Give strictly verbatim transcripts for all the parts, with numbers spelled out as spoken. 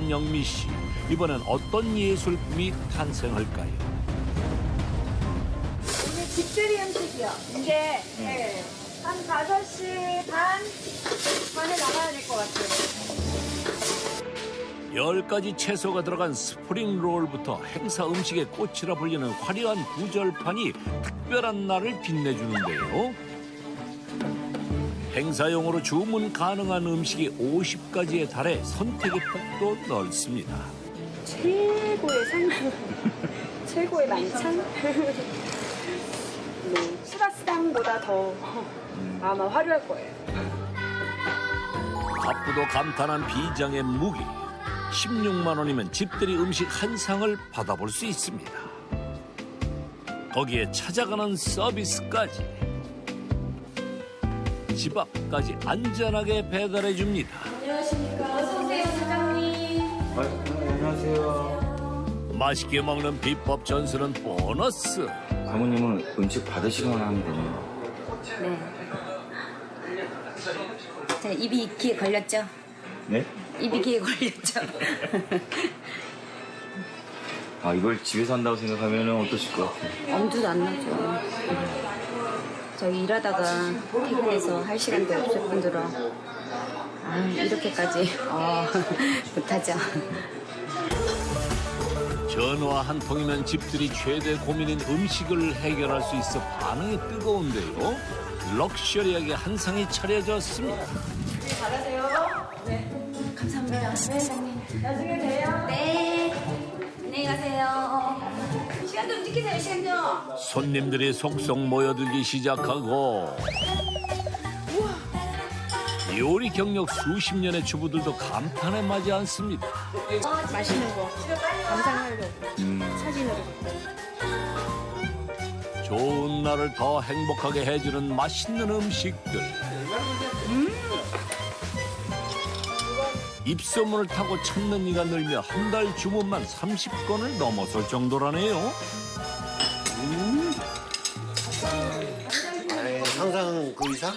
도전하는 영미 씨. 이번엔 어떤 예술품이 탄생할까요? 오늘 집들이 음식이요. 이제 네. 한 다섯 시 반 반에 나가야 될 것 같아요. 열 가지 채소가 들어간 스프링 롤부터 행사 음식의 꽃이라 불리는 화려한 구절판이 특별한 날을 빛내주는데요. 행사용으로 주문 가능한 음식이 오십 가지에 달해 선택의 폭도 넓습니다. 최고의 상품. 최고의 만찬. 네, 수라스당보다 더 아마 화려할 거예요. 바쁘도 감탄한 비장의 무기. 십육만 원이면 집들이 음식 한 상을 받아볼 수 있습니다. 거기에 찾아가는 서비스까지. 집 앞까지 안전하게 배달해 줍니다. 안녕하십니까. 어서 오세요, 사장님. 아, 안녕하세요. 맛있게 먹는 비법 전수는 보너스. 사모님은 음식 받으시기만 하면 되네요. 네. 자, 입이 귀에 걸렸죠? 네? 입이 귀에 걸렸죠? 아, 이걸 집에서 한다고 생각하면 어떠실 것 같아요? 엄두도 안 나죠. 저희 일하다가 퇴근해서 할 시간도 없을 뿐더러 아, 이렇게까지 어, 못하죠. 전화 한 통이면 집들이 최대 고민인 음식을 해결할 수 있어 반응이 뜨거운데요. 럭셔리하게 한 상이 차려졌습니다. 감사합니다. 네, 사장님. 나중에 봬요. 네. 안녕히 가세요. 시간 좀 지키세요, 시간 좀. 손님들이 속속 모여들기 시작하고 요리 경력 수십 년의 주부들도 감탄에 마지 않습니다. 맛있는 거. 감상하려고. 사진으로. 좋은 날을 더 행복하게 해주는 맛있는 음식들. 입소문을 타고 찾는 이가 늘며 한 달 주문만 삼십 건을 넘어설 정도라네요. 아이, 항상 그 이상?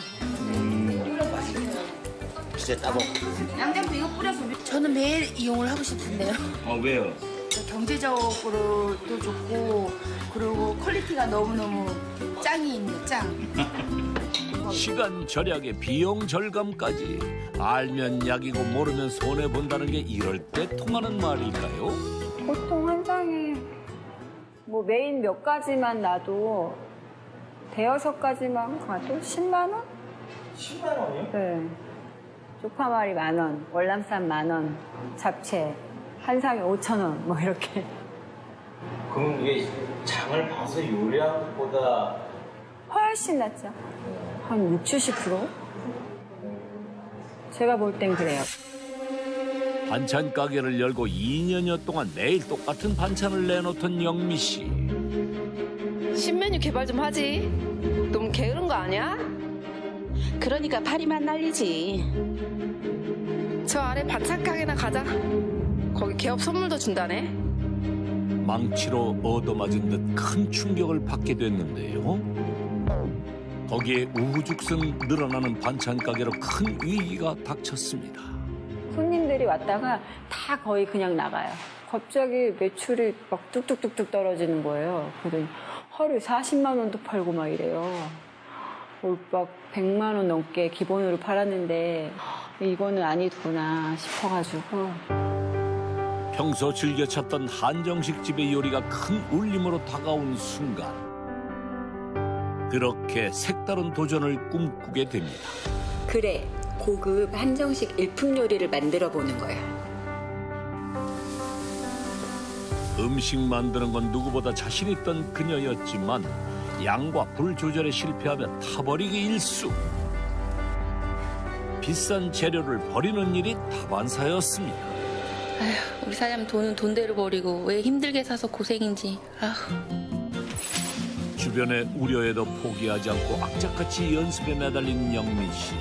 진짜 따봉. 양장도 이거 뿌려서 저는 매일 이용을 하고 싶은데요. 아, 왜요? 경제적으로도 좋고 그리고 퀄리티가 너무너무 짱이 있는 짱. 시간 절약에 비용 절감까지. 알면 약이고 모르면 손해본다는 게 이럴 때 통하는 말일까요? 보통 한 상에 뭐 메인 몇 가지만 놔도 대여섯 가지만 가도 십만 원? 십만 원이요? 네. 쪽파말이 만 원, 월남쌈 만 원, 잡채 한 상에 오천 원, 뭐 이렇게. 그럼 이게 장을 봐서 요리하는 것보다 훨씬 낫죠. 한 육십, 칠십 퍼센트? 제가 볼 땐 그래요. 반찬 가게를 열고 이 년여 동안 매일 똑같은 반찬을 내놓던 영미 씨. 신메뉴 개발 좀 하지. 너무 게으른 거 아니야? 그러니까 파리만 날리지. 저 아래 반찬 가게나 가자. 거기 개업 선물도 준다네. 망치로 얻어맞은 듯 큰 충격을 받게 됐는데요. 거기에 우후죽순 늘어나는 반찬 가게로 큰 위기가 닥쳤습니다. 손님들이 왔다가 다 거의 그냥 나가요. 갑자기 매출이 막 뚝뚝뚝뚝 떨어지는 거예요. 그러더니 하루에 사십만 원도 팔고 막 이래요. 막 백만 원 넘게 기본으로 팔았는데 이거는 아니구나 싶어가지고. 평소 즐겨 찾던 한정식 집의 요리가 큰 울림으로 다가온 순간 그렇게 색다른 도전을 꿈꾸게 됩니다. 그래, 고급 한정식 일품 요리를 만들어 보는 거야. 음식 만드는 건 누구보다 자신 있던 그녀였지만 양과 불 조절에 실패하면 타버리기 일쑤. 비싼 재료를 버리는 일이 다반사였습니다. 아휴, 우리 사장 돈은 돈대로 버리고 왜 힘들게 사서 고생인지. 아휴. 주변의 우려에도 포기하지 않고 악착같이 연습에 매달린 영민 씨.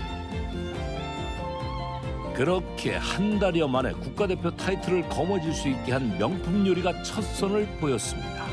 그렇게 한 달여 만에 국가대표 타이틀을 거머쥘 수 있게 한 명품 요리가 첫 선을 보였습니다.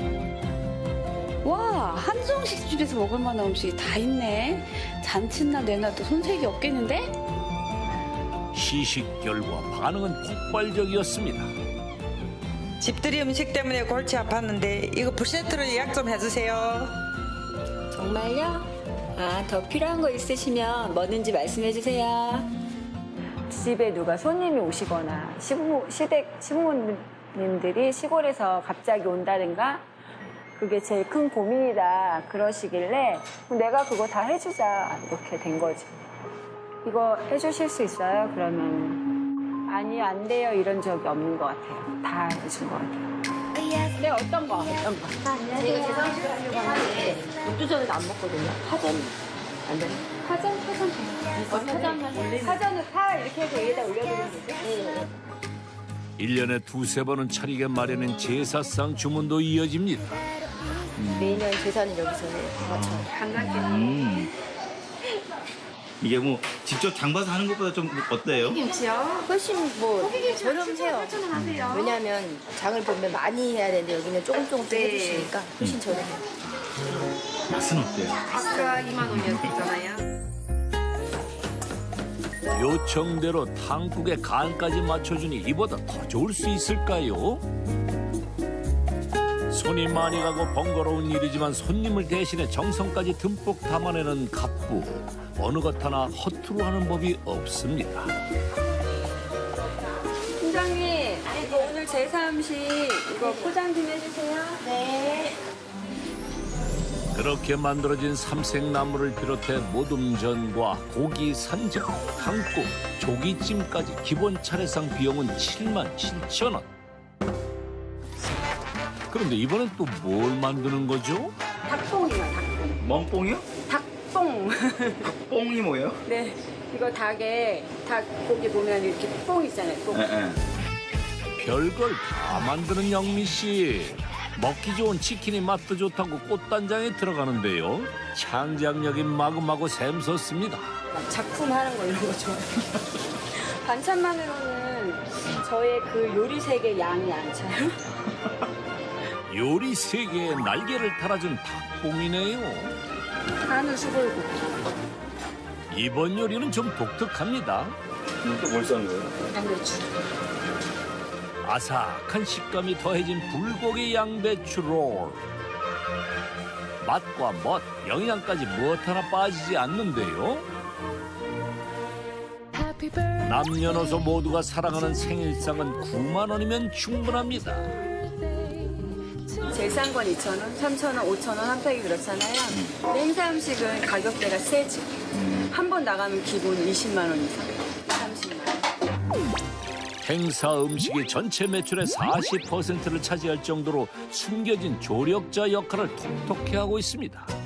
와, 한정식 집에서 먹을 만한 음식이 다 있네. 잔칫날 내놔도 손색이 없겠는데? 시식 결과 반응은 폭발적이었습니다. 집들이 음식 때문에 골치 아팠는데 이거 풀세트로 예약 좀 해주세요. 정말요? 아, 더 필요한 거 있으시면 뭐든지 말씀해 주세요. 집에 누가 손님이 오시거나 시부모, 시댁, 시부모님들이 시골에서 갑자기 온다든가 그게 제일 큰 고민이다 그러시길래 내가 그거 다 해주자 이렇게 된 거지. 이거 해주실 수 있어요? 그러면 아니 안 돼요 이런 적이 없는 것 같아요. 다 해준 것 같아요. 네 어떤 거? 어떤 거? 제가 제상식을 하려고 하는데 녹두전을 안 먹거든요. 파전 안 돼요? 파전? 파전 돼요. 어, 파전만 파전을 파 이렇게 해서 위에다 올려드리면 되죠? 네. 일 년에 두세 번은 차리게 마련인 제사상 주문도 이어집니다. 매년 제사는 여기서 해요. 맞춰요. 음. 이게 뭐 직접 장봐서 하는 것보다 좀 어때요? 훨씬 뭐 저렴해요. 왜냐하면 장을 보면 많이 해야 되는데 여기는 조금 조금씩 해주시니까 훨씬 저렴해요. 맛은 어때요? 아까 이만 원이었잖아요. 요청대로 탕국의 간까지 맞춰주니 이보다 더 좋을 수 있을까요? 손이 많이 가고 번거로운 일이지만 손님을 대신해 정성까지 듬뿍 담아내는 갑부. 어느 것 하나 허투루 하는 법이 없습니다. 팀장님, 이거 오늘 제사 음식 이거 포장 좀 해주세요. 네. 그렇게 만들어진 삼색나물을 비롯해 모둠전과 고기 산적, 탕국, 조기찜까지 기본 차례상 비용은 칠만 칠천 원. 그런데 이번엔 또 뭘 만드는 거죠? 닭봉이요, 닭봉. 멍뽕이요? 닭봉. 뽕이 뭐예요? 네, 이거 닭에 닭 고기 보면 이렇게 뽕 있잖아요. 뽕. 예, 예. 별걸 다 만드는 영미 씨. 먹기 좋은 치킨이 맛도 좋다고 꽃단장에 들어가는데요. 창작력이 마구마구 샘솟습니다. 막 작품 하는 거 이런 거 좋아해요. 반찬만으로는 저의 그 요리 세계 양이 안 차요. 요리 세계에 날개를 달아준 닭봉이네요. 한우 수골국기. 이번 요리는 좀 독특합니다. 또뭘 써는 거예요? 양배추. 아삭한 식감이 더해진 불고기 양배추 롤. 맛과 멋, 영양까지 무엇 하나 빠지지 않는데요. 남녀노소 모두가 사랑하는 생일상은 구만 원이면 충분합니다. 제일 싼 건 이천 원, 삼천 원, 오천 원 한 팩이 그렇잖아요. 근데 행사 음식은 가격대가 세지. 한 번 나가면 기본 이십만 원 이상, 삼십만 원. 행사 음식이 전체 매출의 사십 퍼센트를 차지할 정도로 숨겨진 조력자 역할을 톡톡히 하고 있습니다.